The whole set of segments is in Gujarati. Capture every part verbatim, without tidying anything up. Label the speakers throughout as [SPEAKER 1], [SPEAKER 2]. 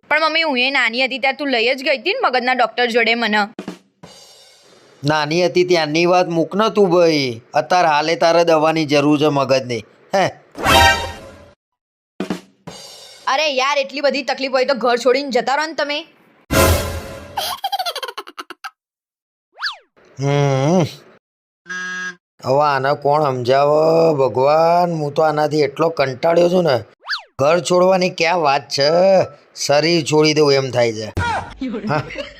[SPEAKER 1] પણ મમ્મી હું એ નાની હતી ત્યારે તું લઈ જ ગઈ હતી ને મગજના ડૉક્ટર જોડે મને.
[SPEAKER 2] નાની હતી ત્યાંની વાત મૂક ન તું ભાઈ, અત્યારે હાલે તારે દવાની જરૂર છે મગજની. હે
[SPEAKER 1] અરે યાર એટલી બધી તકલીફ હોય તો ઘર છોડીને જતા રહો ને તમે.
[SPEAKER 2] હમ હવે આને કોણ સમજાવે ભગવાન, હું તો આનાથી એટલો કંટાળ્યો છું ને. ઘર છોડવાની ક્યાં વાત છે, શરીર છોડી દઉં એમ થાય છે. હા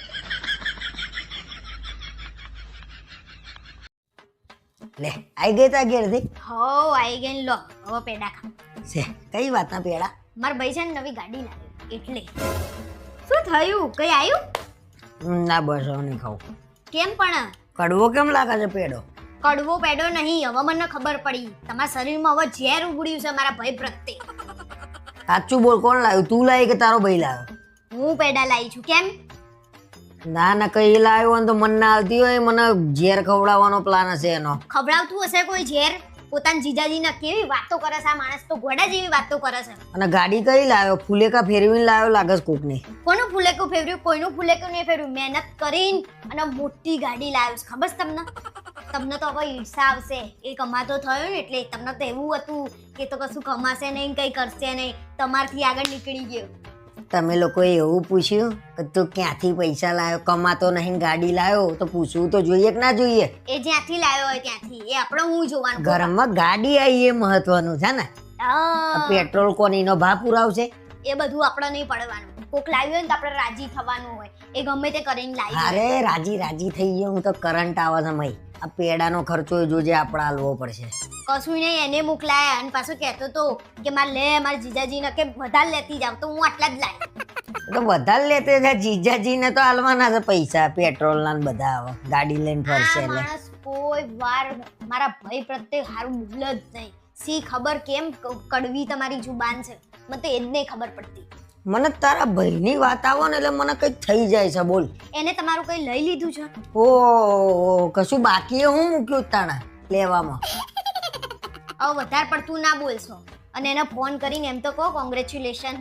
[SPEAKER 3] લે આઈ ગઈ તા ઘેરથી?
[SPEAKER 4] હો આઈ ગઈ લો હવે પેડા ખા.
[SPEAKER 3] છે કઈ વાતના પેડા?
[SPEAKER 4] મારા ભાઈ છે ને નવી ગાડી લાવી એટલે. શું થયું, કઈ આવ્યું?
[SPEAKER 3] ના બસ હવે નહીં ખાવું.
[SPEAKER 4] કેમ પણ?
[SPEAKER 3] કડવો કેમ લાગે છે પેડો?
[SPEAKER 4] કડવો પેડો નહીં, હવે મને ખબર પડી તમારા શરીરમાં હવે ઝેર ઉગડ્યું છે મારા ભાઈ પ્રત્યે.
[SPEAKER 3] સાચું બોલ, કોણ લાવ્યું? તું લાવી કે તારો ભાઈ લાવ્યો?
[SPEAKER 4] હું પેડા લાવી છું. કેમ?
[SPEAKER 3] ના ના કઈ લાવ્યો હોય તો મન ના આવતી હોય, મને ઝેર ખવડાવવાનો પ્લાન હશે એનો.
[SPEAKER 4] ખવડાવતું હશે કોઈ ઝેર? પોતાના જીજાજીના કેવી વાતો કરે છે આ માણસ, તો ઘોડા જેવી વાતો કરે છે.
[SPEAKER 3] અને ગાડી કઈ લાવ્યો? ફુલેકા ફેરવીને લાવ્યો લાગે છે કોકને.
[SPEAKER 4] કોનું ફુલેકું ફેરવ્યું? કોઈનું ફુલેકું નહીં ફેરવ્યું. મહેનત કરીને અને મોટી ગાડી લાવ્યો છે. ખબર છે તમને? તમને તો હવે ઈર્ષા આવશે, એ કમાતો થયો ને એટલે. તમને તો એવું હતું કે તો કશું કમાશે નહીં, કંઈ કરશે નહીં, તમારથી આગળ નીકળી ગયો.
[SPEAKER 3] તમે લોકોએ એવું પૂછ્યું કે તું ક્યાંથી પૈસા લાવ્યો? કમાતો નહીં ગાડી લાવ્યો તો પૂછવું તો જોઈએ કે ના જોઈએ?
[SPEAKER 4] એ જ્યાંથી લાવ્યો હોય ત્યાંથી, એ આપણે હું જોવાનું.
[SPEAKER 3] ઘરમાં ગાડી આવી એ મહત્વનું છે ને.
[SPEAKER 4] હા,
[SPEAKER 3] પેટ્રોલ કોનીનો ભાવ પુરાવશે?
[SPEAKER 4] એ બધું આપણે નહીં પડવાનું. કોક લાવ્યું હોય ને તો આપણે રાજી થવાનું હોય. એ ગમે તે કરીને લાવી.
[SPEAKER 3] અરે રાજી રાજી થઈ ગયો હું તો. કરંટ આવે છે મય. આ પેડાનો ખર્ચો જોજે આપણે હાલવો પડશે.
[SPEAKER 4] કશું નહીં, એને મોકલાયા અને પાછો કહેતો તો કે મારે લે મારા જીજાજીને કે વધારે લેતી જાવ, તો હું આટલા જ લાવી.
[SPEAKER 3] તો વધારે લેતે છે જીજાજીને તો હાલવાના છે પૈસા પેટ્રોલના ને બધા. આવે ગાડી લઈને ફરશે
[SPEAKER 4] આ
[SPEAKER 3] એટલે.
[SPEAKER 4] માણસ કોઈ વાર મારા ભાઈ પ્રત્યે સારું બોલે જ નહીં. સી ખબર કેમ કડવી તમારી જુબાન છે, મને તો એ જ નહીં ખબર પડતી.
[SPEAKER 3] મને તારા ભાઈની વાત આવો ને એટલે મને કંઈક થઈ જાય છે. બોલ,
[SPEAKER 4] એને તમારું કંઈ લઈ લીધું છે?
[SPEAKER 3] ઓ કશું બાકી હું મૂક્યું તાણા લેવામાં?
[SPEAKER 4] હવે વધારે પડતું ના બોલશો. અને એને ફોન કરીને એમ તો કહો કોંગ્રેચ્યુલેશન.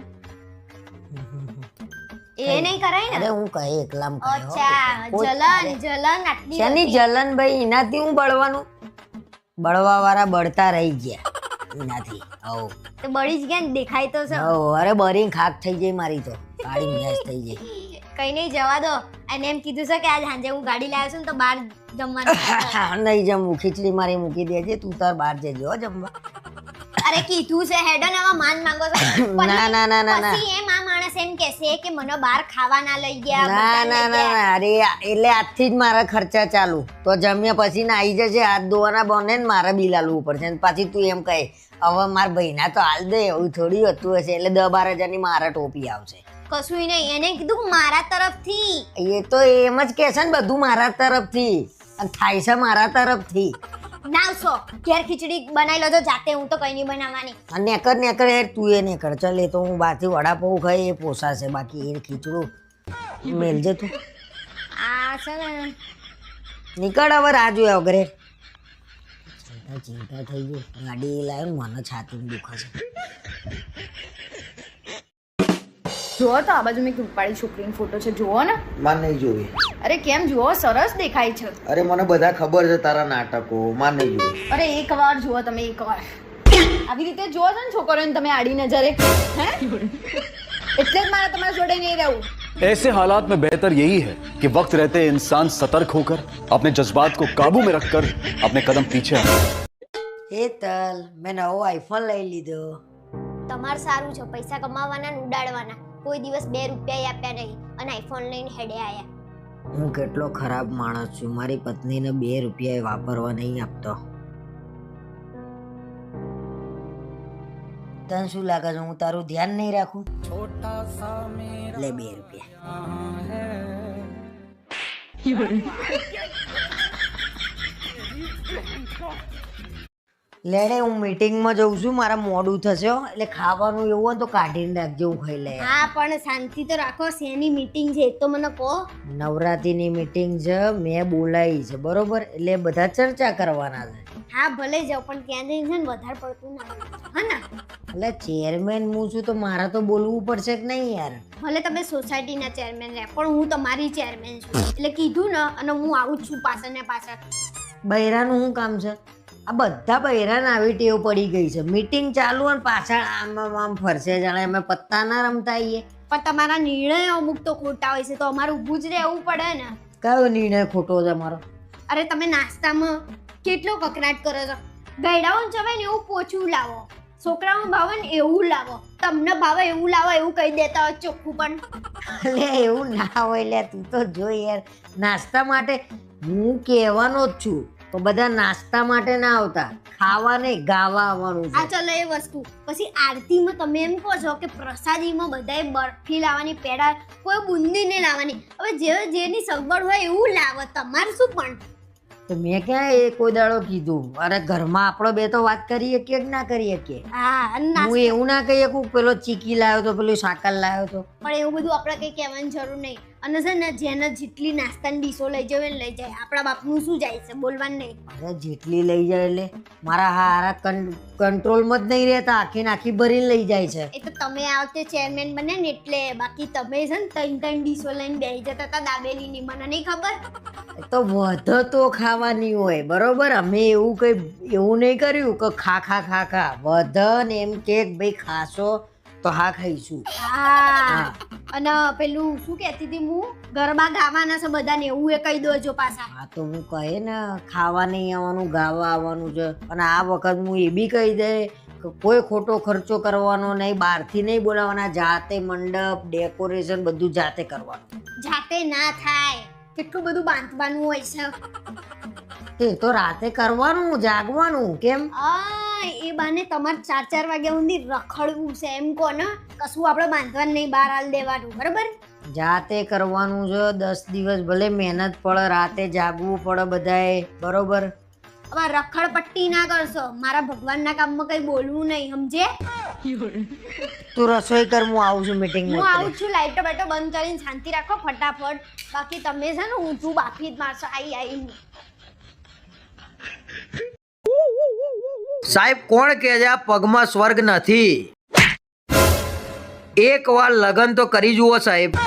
[SPEAKER 4] એ નહીં કરાય ને?
[SPEAKER 3] અરે હું કહે એકલામ કહ્યો.
[SPEAKER 4] અચ્છા, જલન જલન આટલી
[SPEAKER 3] શેની જલન ભાઈ? એનાથી હું બળવાનું? બળવા વાળા બળતા રહી ગયા એનાથી. હવ
[SPEAKER 4] તો બળી જ ગયા ને, દેખાય તો છે.
[SPEAKER 3] હવ અરે બરી ખાક થઈ જાય મારી તો, કાળી ગેસ થઈ જાય.
[SPEAKER 4] કઈ નહીં, જવા દો. અને એમ કીધું છે કે આજ સાંજે હું ગાડી લાવ્યો છું ને તો બહાર જમવાનું.
[SPEAKER 3] નહીં જમવું, ખીચડી મારી મૂકી દેજે, તું તાર બહાર જજો હો જમવા.
[SPEAKER 4] અરે કીધું છે હેડો ને, આમાં માન માંગો છો?
[SPEAKER 3] ના ના ના ના ના
[SPEAKER 4] પછી એમ આ માણસ એમ કહેશે કે મને બહાર ખાવા ના લઈ ગયા.
[SPEAKER 3] ના
[SPEAKER 4] બધા
[SPEAKER 3] ના
[SPEAKER 4] લઈ
[SPEAKER 3] ના
[SPEAKER 4] ગયા.
[SPEAKER 3] ના, અરે એટલે આજથી જ મારા ખર્ચા ચાલુ. તો જમ્યા પછી ને આવી જશે, હાથ ધોવાના બને ને મારે બિલ આલવું પડશે. ને પાછી તું એમ કહે હવે મારા ભાઈના તો હાલ દે, એવું થોડી હતું હશે. એટલે દસ બાર હજારની મારા ટોપી આવશે.
[SPEAKER 4] કશું નહીં, એને કીધું મારા તરફથી.
[SPEAKER 3] એ તો એમ જ કે છે ને, બધું મારા તરફથી અને થાય છે મારા તરફથી.
[SPEAKER 4] નાવશો ઘેર ખીચડી બનાવી લેજો જાતે, હું તો કઈ નહીં બનાવવાની.
[SPEAKER 3] અને નેકર નેકર યાર તું એ નેકર. ચાલ એ તો હું બહારથી વડાપાઉં ખાઈ એ પોસાશે, બાકી એ ખીચડું મેલજે તું.
[SPEAKER 4] આ છે ને
[SPEAKER 3] નીકળ હવે રાહ જોયા વગર. ચિંતા ચિંતા થઈ ગઈ. ગાડી લાવ્યો મને છાતીમાં દુખે છે.
[SPEAKER 1] જુઓ તો આ બાજુ મેં રૂપાળી છોકરીનો ફોટો છે, જુઓ ને.
[SPEAKER 2] માન નહીં જોવી.
[SPEAKER 1] અરે કેમ જુઓ, સરસ દેખાય છે.
[SPEAKER 2] અરે મને બધા ખબર છે તારા નાટકો, માન નહીં જોવી.
[SPEAKER 1] અરે એક વાર જુઓ તમે, એક વાર આવી રીતે જુઓ છો ને છોકરીઓને તમે આડી નજરે, હે એટલે જ મારે તમારા જોડે નહીં રહેવું.
[SPEAKER 5] ऐसे हालात में बेहतर यही है कि वक्त रहते इंसान सतर्क होकर अपने जज्बात को काबू में रखकर अपने कदम पीछे हटाए.
[SPEAKER 3] એ તલ મેં નવો આઈફોન લઈ લીધો.
[SPEAKER 4] તમારે સારું છે, પૈસા કમાવાના ને ઉડાડવાના. કોઈ દિવસ બે રૂપિયા આપ્યા નહીં અને આઈફોન લઈને હેડે આયા.
[SPEAKER 3] હું કેટલો ખરાબ માણસ છું, મારી પત્નીને બે રૂપિયા વાપરવા નહીં આપતો. તને શું લાગે છે હું તારું ધ્યાન નહીં રાખું? લે બે રૂપિયા. લેડે હું મીટિંગમાં જઉં છું, મારા મોડું થશે હો. એટલે ખાવાનું એવું હોય તો કાઢીને રાખજો, હું ખાઈ લે.
[SPEAKER 4] હા પણ શાંતિ તો રાખો. શેની મીટિંગ છે એ તો મને કહો.
[SPEAKER 3] નવરાત્રીની મીટિંગ છે, મેં બોલાવી છે બરોબર, એટલે બધા ચર્ચા કરવાના છે.
[SPEAKER 4] હા ભલે જાઓ પણ ત્યાં જઈને છે ને વધારે પડતું ના બોલજો, હા ને?
[SPEAKER 3] એટલે ચેરમેન હું છું તો મારે તો બોલવું પડશે કે નહીં યાર?
[SPEAKER 4] ભલે તમે સોસાયટીના ચેરમેન રહ્યા પણ હું તમારી ચેરમેન છું એટલે કીધું ને અને હું આવું જ છું પાછળ ને પાછળ.
[SPEAKER 3] બૈરાનું શું કામ છે? આ બધા બૈરાને આવી ટેવ પડી ગઈ છે. મીટિંગ ચાલુ અને પાછળ આમ આમ આમ ફરશે, જાણે અમે પત્તા ના રમતા આવીએ.
[SPEAKER 4] પણ તમારા નિર્ણયો અમુક તો ખોટા હોય છે તો અમારે ઊભું જ રહેવું પડે ને.
[SPEAKER 3] કયો નિર્ણય ખોટો છે મારો?
[SPEAKER 4] અરે તમે નાસ્તામાં કેટલો કકરાટ કરો છો. ગયડાઓને જવાય ને એવું પોચું લાવો, છોકરાઓને ભાવે ને એવું લાવો, તમને ભાવે એવું લાવો એવું કહી દેતા હોય ચોખ્ખું. પણ
[SPEAKER 3] લે એવું ના હોય લે, તું તો જો યાર. નાસ્તા માટે હું કહેવાનો જ છું તો બધા નાસ્તા માટે ના આવતા, ખાવા નહીં ગાવા આવવાનું
[SPEAKER 4] આ
[SPEAKER 3] છે.
[SPEAKER 4] ચલો એ વસ્તુ. પછી આરતીમાં તમે એમ કહો છો કે પ્રસાદીમાં બધાએ બરફી લાવવાની, પેડા, કોઈ બુંદી ને લાવવાની. હવે જે જેની સગવડ હોય એવું લાવો, તમારે શું? પણ
[SPEAKER 3] તો મેં ક્યાં એ કોઈ દાડો કીધું? અરે ઘરમાં આપણો બે તો વાત કરીએ કે ના કરીએ કે?
[SPEAKER 4] હા અને
[SPEAKER 3] હું
[SPEAKER 4] નાસ્તા-
[SPEAKER 3] એવું ના કહીએ કે પેલો ચીકી લાવ્યો તો પેલું સાકર લાવ્યો તો.
[SPEAKER 4] પણ એવું બધું આપણે કઈ કહેવાની જરૂર નહીં. અને છે ને જેને જેટલી નાસ્તાની ડીશો લઈ જવે ને લઈ જાય, આપણા બાપનું શું જાય છે, બોલવાનું નહીં.
[SPEAKER 3] અરે જેટલી લઈ જાય એટલે મારા હારા કંટ્રોલમાં જ નહીં રહેતા, આખી ને આખી ભરીને લઈ જાય છે.
[SPEAKER 4] એ તો તમે આ વખતે ચેરમેન બન્યા ને એટલે. બાકી તમે છે ને ત્રણ ત્રણ ડીશો લઈને બેસી જતા હતા દાબેલીની, મને નહીં ખબર.
[SPEAKER 3] એ તો વધ તો ખાવાની હોય બરોબર. અમે એવું કઈ એવું નહીં કર્યું કે ખા ખા ખા ખા. વધ ને એમ કે ભાઈ ખાશો તો હા ખાઈશું.
[SPEAKER 4] હા અને પેલું શું કહેતી હતી હું, ગરબા ગાવાના છે બધાને એવું એ કહી દોજો પાછા.
[SPEAKER 3] હા તો હું કહે ને ખાવા નહીં આવવાનું, ગાવા આવવાનું છે. અને આ વખત હું એ બી કહી દે કે કોઈ ખોટો ખર્ચો કરવાનો નહીં, બહારથી નહીં બોલાવવાના, જાતે મંડપ ડેકોરેશન બધું જાતે કરવાનું.
[SPEAKER 4] જાતે ના થાય, કેટલું બધું બાંધવાનું હોય છે.
[SPEAKER 3] એ તો રાતે કરવાનું, જાગવાનું. કેમ?
[SPEAKER 4] આ એ બાને તમારે ચાર ચાર વાગ્યા સુધી રખડવું છે એમ કહો ને. કશું આપણે બાંધવાનું નહીં, બહાર હાલ દેવાનું, બરાબર?
[SPEAKER 3] જાતે કરવાનું છે. દસ દિવસ ભલે મહેનત પડે, રાતે જાગવું પડે બધાએ, બરોબર?
[SPEAKER 4] હવે રખડ પટ્ટી ના કરશો. મારા ભગવાનના કામમાં કઈ બોલવું નહીં, સમજે?
[SPEAKER 3] તું રસોઈ કર, હું આવું છું મીટિંગ
[SPEAKER 4] હું આવું છું. લાઈટો બાઈટો બંધ કરીને શાંતિ રાખો ફટાફટ. બાકી તમે છે ને ઊંચું બાફી જ મારશો આઈ આઈ.
[SPEAKER 2] સાહેબ કોણ કહે છે આ પગમાં સ્વર્ગ નથી? એક વાર લગન તો કરી જુઓ સાહેબ.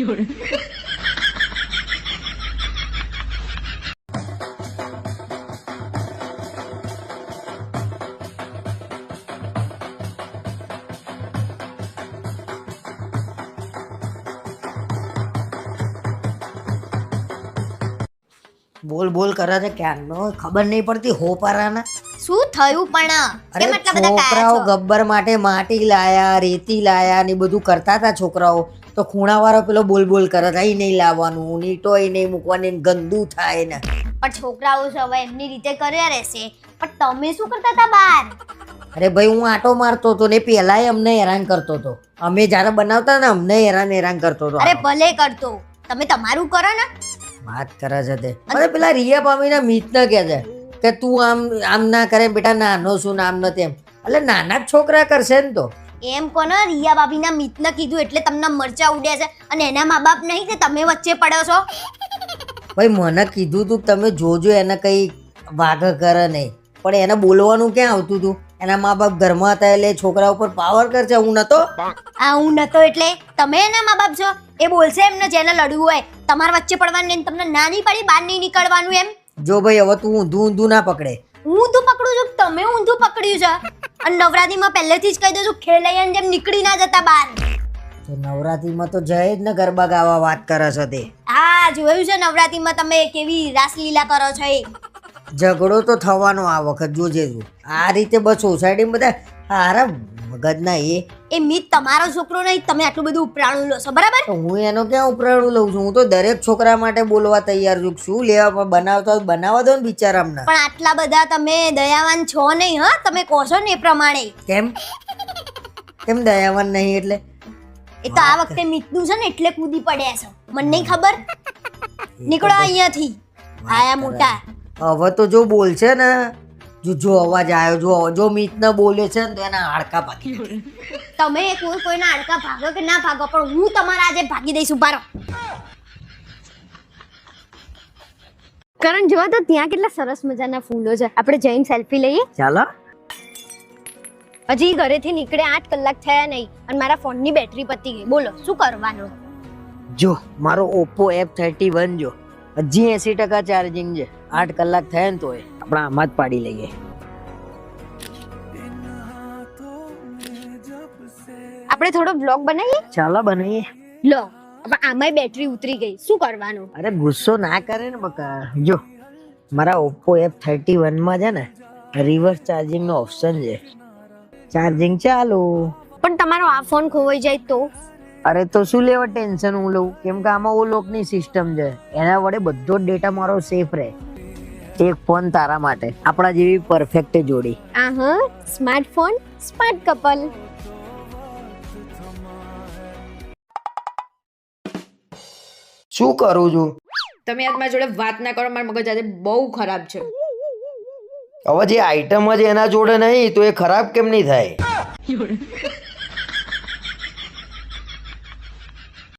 [SPEAKER 3] બોલ બોલ કરે છે ક્યારનો, ખબર નહીં પડતી હોપારાના.
[SPEAKER 4] શું થયું પણ?
[SPEAKER 3] અરે
[SPEAKER 4] કેમ આટલા બધા
[SPEAKER 3] છોકરાઓ
[SPEAKER 4] કાયા છો?
[SPEAKER 3] ગબ્બર માટે માટી લાયા, રેતી લાયા ને બધું કરતા હતા છોકરાઓ. તો ખૂણાવાળો પેલો બોલ બોલ કરે છે, અહીં નહીં લાવવાનું, નીટો અહીં નહીં મૂકવાની, ગંદુ થાય ને.
[SPEAKER 4] પણ છોકરાઓ છે હવે એમની રીતે કર્યા રહેશે. પણ તમે શું કરતા હતા બહાર?
[SPEAKER 3] અરે ભાઈ હું આટો મારતો હતો ને પહેલાય અમને હેરાન કરતો હતો. અમે જ્યારે બનાવતા ને અમને હેરાન હેરાન કરતો હતો.
[SPEAKER 4] અરે ભલે કરતો, તમે તમારું કરો ને.
[SPEAKER 3] વાત કરે છે તે. અરે પેલા રિયા પામીના મિતને કહે છે કે તું આમ આમ ના કરે બેટા, નાનો છું ને આમ ન તેમ. એટલે નાના જ છોકરા કરશે ને તો.
[SPEAKER 4] એમ કોને રિયા ભાભીના મિતને કીધું એટલે તમને મરચા ઉડ્યા છે અને એના મા બાપ નહીં કે તમે વચ્ચે પડ્યો છો?
[SPEAKER 3] ભાઈ મને કીધું તું તમે જોજો એને કઈ વાઘ કરે નહીં, પણ એને બોલવાનું ક્યાં આવતું હતું? એના મા બાપ ઘરમાં હતા એટલે છોકરા ઉપર પાવર કરશે. હું નતો.
[SPEAKER 4] આ હું નતો એટલે તમે એના મા બાપ છો. એ બોલશે એમને જેને લડવું હોય. તમારા વચ્ચે પડવાનું નહીં, તમને ના નહીં પડી બહાર નહીં નીકળવાનું એમ.
[SPEAKER 3] જો ભાઈ હવે તું ઊંધું ઊંધું ના પકડે.
[SPEAKER 4] હું ઊંધું પકડું છું, તમે ઊંધું પકડ્યું છે. અને નવરાત્રીમાં પહેલેથી જ કહી દઉં છું ખેલૈયાની જેમ નીકળી ના જતા બહાર.
[SPEAKER 3] તો નવરાત્રીમાં તો જય જ ને ગરબા ગાવા વાત કરે છે તે.
[SPEAKER 4] હા જોયું છે નવરાત્રીમાં તમે કેવી રાસલીલા કરો છો એ.
[SPEAKER 3] ઝઘડો તો થવાનો આ વખત, જોજે તું. આ રીતે બસ સોસાયટી બધા હારા મગજના એ.
[SPEAKER 4] એ મિત તમારો છોકરો નહીં, તમે આટલું બધું ઉપરાણું લો છો, બરાબર?
[SPEAKER 3] તો હું એનો ક્યાં ઉપરાણું લઉં છું? હું તો દરેક છોકરા માટે બોલવા તૈયાર છું. શું લેવા પણ બનાવતા હોય બનાવવા દો ને બિચારા અમને.
[SPEAKER 4] પણ આટલા બધા તમે દયાવાન છો નહીં, હા? તમે કહો છો ને એ પ્રમાણે.
[SPEAKER 3] કેમ કેમ દયાવાન નહીં એટલે?
[SPEAKER 4] એ તો આ વખતે મિતનું છે ને એટલે કૂદી પડ્યા છો, મને નહીં ખબર. નીકળો અહીંયાથી, આયા મોટા.
[SPEAKER 3] હવે તો જો બોલશે ને, જો જો અવાજ આવ્યો, જો જો મિત ને બોલે છે ને તો એના હાડકા ભાગી.
[SPEAKER 4] તમે કોઈ કોઈના હાડકા ભાગો કે ના ભાગો, પણ હું તમારા આજે ભાગી દઈશ. ઉભા રહો. કરણ જોવા તો ત્યાં કેટલા સરસ મજાના ફૂલો છે, આપણે જઈને સેલ્ફી લઈએ.
[SPEAKER 3] ચાલો.
[SPEAKER 4] હજી ઘરેથી નીકળે આઠ કલાક થયા નહીં અને મારા ફોનની બેટરી પતી ગઈ. બોલો શું કરવાનું?
[SPEAKER 3] જો મારો ઓપ્પો એફ થર્ટી વન જો હજી એસી ટકા ચાર્જિંગ છે. આઠ કલાક થયા ને તોય આપણે આમાં જ પાડી લઈએ.
[SPEAKER 4] આપણે થોડો બ્લોગ બનાવીએ.
[SPEAKER 3] ચાલો બનાવીએ.
[SPEAKER 4] લો હવે આમાંય બેટરી ઉતરી ગઈ, શું કરવાનું?
[SPEAKER 3] અરે ગુસ્સો ના કરે ને બકા. જો મારા ઓપ્પો એફ થર્ટી વન માં છે ને રિવર્સ ચાર્જિંગ નો ઓપ્શન છે. ચાર્જિંગ ચાલુ.
[SPEAKER 4] પણ તમારો આ ફોન ખોવાઈ જાય તો?
[SPEAKER 3] અરે તો શું લેવા ટેન્શન હું લઉં, કેમ કે આમાં ઓ લોકની સિસ્ટમ છે, એના વડે બધો જ ડેટા મારો સેફ રહે. એક ફોન તારા માટે, આપણા જેવી પરફેક્ટ જોડી.
[SPEAKER 4] આ હા, સ્માર્ટફોન સ્માર્ટ કપલ.
[SPEAKER 2] શું કરું છું?
[SPEAKER 1] તમે આજ મારા જોડે વાત ના કરો, મારા મગજ આજે બહુ ખરાબ છે.
[SPEAKER 2] હવે જે આઈટમ જ એના જોડે નહીં તો એ ખરાબ કેમ નહીં થાય?